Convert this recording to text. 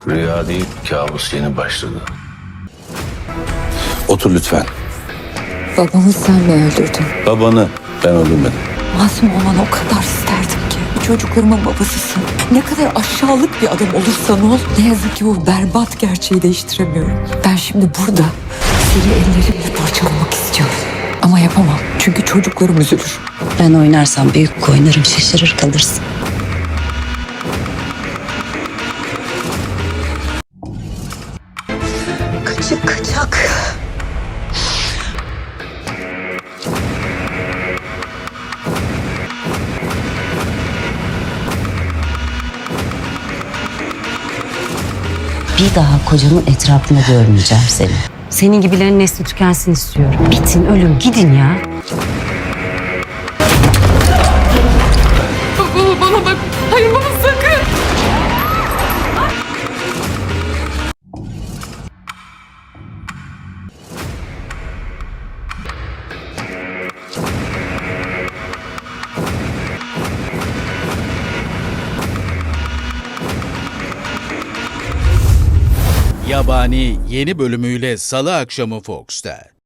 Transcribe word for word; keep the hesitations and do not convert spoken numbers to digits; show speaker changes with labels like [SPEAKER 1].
[SPEAKER 1] Rüya değil, kabus yeni başladı.
[SPEAKER 2] Otur lütfen.
[SPEAKER 3] Babamı sen mi öldürdün?
[SPEAKER 2] Babanı ben öldürmedim.
[SPEAKER 3] Masum olmanı o kadar isterdim ki. Çocuklarımın babasısın. Ne kadar aşağılık bir adam olursan ol. Ne yazık ki bu berbat gerçeği değiştiremiyorum. Ben şimdi burada seni ellerimle parçalamak istiyorum. Ama yapamam. Çünkü çocuklarım üzülür.
[SPEAKER 4] Ben oynarsam büyük oynarım, şaşırır kalırsın. Kaçık kaçak. Bir daha kocamın etrafında görmeyeceğim seni.
[SPEAKER 5] Senin gibilerin nesli tükensin istiyorum. Bitin, ölün, gidin ya.
[SPEAKER 3] Baba bana bak. Hayır baba sakın.
[SPEAKER 6] Yabani yeni bölümüyle Salı akşamı Fox'ta.